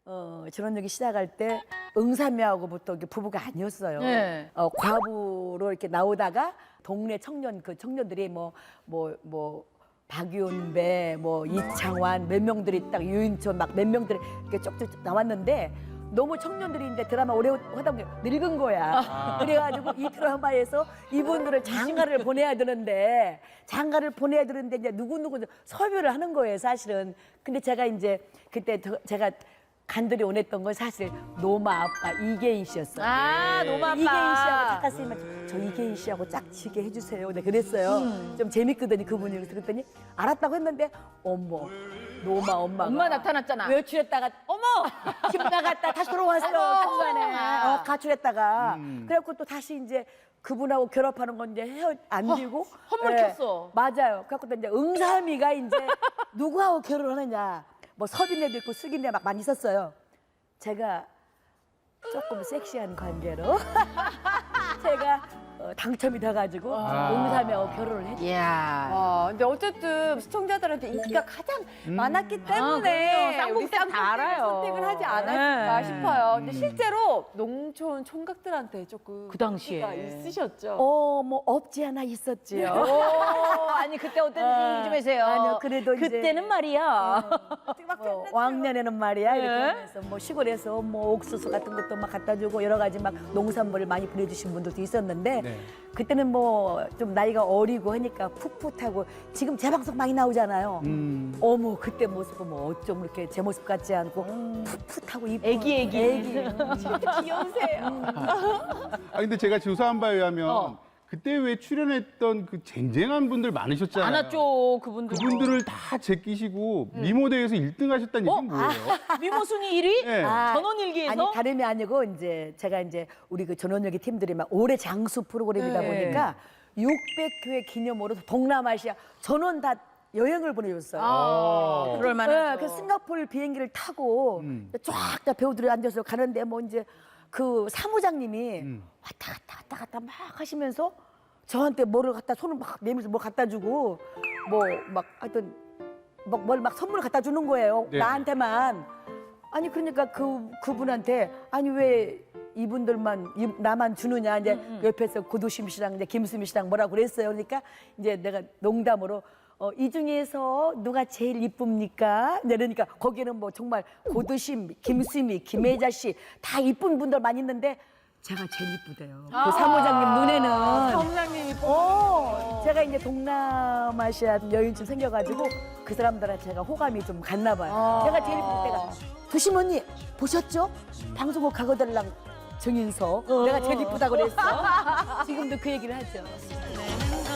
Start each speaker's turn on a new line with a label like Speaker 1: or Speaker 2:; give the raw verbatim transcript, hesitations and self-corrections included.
Speaker 1: 어, 전원역이 시작할 때 응삼이하고부터 이게 부부가 아니었어요.
Speaker 2: 네.
Speaker 1: 어, 과부로 이렇게 나오다가 동네 청년 그 청년들이 뭐 뭐 뭐 박윤배, 뭐 이창환 몇 명들이 딱 유인천 막 몇 명들이 이렇게 쪽쪽 나왔는데 너무 청년들이 이제 드라마 오래 하다 보니 늙은 거야.
Speaker 3: 아.
Speaker 1: 그래가지고 이 드라마에서 이분들을 장가를 보내야 되는데 장가를 보내야 되는데 이제 누구누구 섭외를 하는 거예요, 사실은. 근데 제가 이제 그때 저- 제가 간절히 원했던 건 사실 노마 아빠 이계인 씨였어요.
Speaker 2: 아, 노마 아빠.
Speaker 1: 이계인 씨하고 작가 선생님한테 저 이계인 씨하고 짝지게 해주세요. 네, 그랬어요.
Speaker 2: 음.
Speaker 1: 좀 재밌거든요, 그분이. 그래서 그랬더니 알았다고 했는데 어머, 노마 엄마가
Speaker 2: 엄마 나타났잖아.
Speaker 1: 외출했다가 어머 집 나갔다 다시 들어왔어 중간에 어, 가출했다가
Speaker 3: 음.
Speaker 1: 그래갖고 또 다시 이제 그분하고 결합하는 건 이제 헤어 안 되고
Speaker 2: 헛물
Speaker 1: 예,
Speaker 2: 켰어.
Speaker 1: 맞아요. 그래갖고 또 이제 응삼이가 이제 누구하고 결혼하느냐 뭐 서빈애도 있고 숙인애 막 많이 있었어요. 제가 조금 섹시한 관계로 제가 어, 당첨이 돼가지고
Speaker 3: 아.
Speaker 1: 응삼이하고 결혼을 했죠.
Speaker 2: 이야.
Speaker 4: 와, 근데 어쨌든 시청자들한테 인기가 가장 많았기 때문에
Speaker 2: 아, 그럼요.
Speaker 4: 우리
Speaker 2: 쌍둥이 다
Speaker 4: 쌍둥이를
Speaker 2: 알아요.
Speaker 4: 선택을 하지 않았을까
Speaker 2: 네.
Speaker 4: 싶어요. 근데
Speaker 3: 음.
Speaker 4: 실제로 농촌 총각들한테 조금
Speaker 2: 그 당시에.
Speaker 4: 인기가 있으셨죠?
Speaker 1: 어, 뭐 없지 않아 있었지요.
Speaker 2: 오, 아니 그때 어땠는지 얘기 좀 해주세요.
Speaker 1: 아니요, 그래도 이제-
Speaker 2: 그때는 말이야.
Speaker 1: 뭐 왕년에는 말이야 이렇게
Speaker 2: 네.
Speaker 1: 하면서 뭐 시골에서 뭐 옥수수 같은 것도 막 갖다 주고 여러 가지 막 농산물을 많이 보내주신 분들도 있었는데
Speaker 3: 네.
Speaker 1: 그때는 뭐 좀 나이가 어리고 하니까 풋풋하고 지금 재방송 많이 나오잖아요.
Speaker 3: 음.
Speaker 1: 어머 그때 모습 보면 어쩜 이렇게 제 모습 같지 않고 풋풋하고 이쁜
Speaker 2: 애기, 애기.
Speaker 1: 애기.
Speaker 4: 귀여우세요.
Speaker 3: 아 근데 제가 조사한 바에 의하면
Speaker 2: 어.
Speaker 3: 그때 왜 출연했던 그 쟁쟁한 분들 많으셨잖아요.
Speaker 2: 많았죠 그분들.
Speaker 3: 그분들을 다 제끼시고 미모대회에서 일 등 하셨다는
Speaker 2: 어?
Speaker 3: 얘기는 뭐예요?
Speaker 2: 미모 순위 일 위?
Speaker 3: 네.
Speaker 1: 아,
Speaker 2: 전원일기에서?
Speaker 1: 아니 다름이 아니고 이제 제가 이제 우리 그 전원일기 팀들이 막 올해 장수 프로그램이다
Speaker 2: 네.
Speaker 1: 보니까 육백 회 기념으로 동남아시아 전원 다 여행을 보내줬어요.
Speaker 2: 아, 그럴 만하죠.
Speaker 1: 네, 그 싱가포르 비행기를 타고
Speaker 3: 음.
Speaker 1: 쫙 다 배우들이 앉아서 가는데 뭐 이제 그 사무장님이
Speaker 3: 음.
Speaker 1: 왔다 갔다 왔다 갔다 막 하시면서 저한테 뭐를 갖다 손을 막 내밀면서 뭘 갖다 주고 뭐 막 하여튼 뭘 막 선물을 갖다 주는 거예요.
Speaker 3: 네.
Speaker 1: 나한테만. 아니 그러니까 그 그분한테 아니 왜 이분들만 이- 나만 주느냐 이제 옆에서 고두심 씨랑 이제 김수미 씨랑 뭐라고 그랬어요. 그러니까 이제 내가 농담으로 어, 이 중에서 누가 제일 이쁩니까? 이제 그러니까 거기는 뭐 정말 고두심, 김수미, 김혜자 씨 다 이쁜 분들 많이 있는데 제가 제일 이쁘대요. 그 사무장님 눈에는.
Speaker 4: 사무장님이
Speaker 1: 어, 제가 이제 동남아시아 여인쯤 생겨가지고 그 사람들한테 제가 호감이 좀 갔나 봐요. 제가 제일 이쁠 때가 두심 언니 보셨죠? 방송국 가거들랑 정인석 내가 제일 이쁘다고 그랬어. 지금도 그 얘기를 하죠.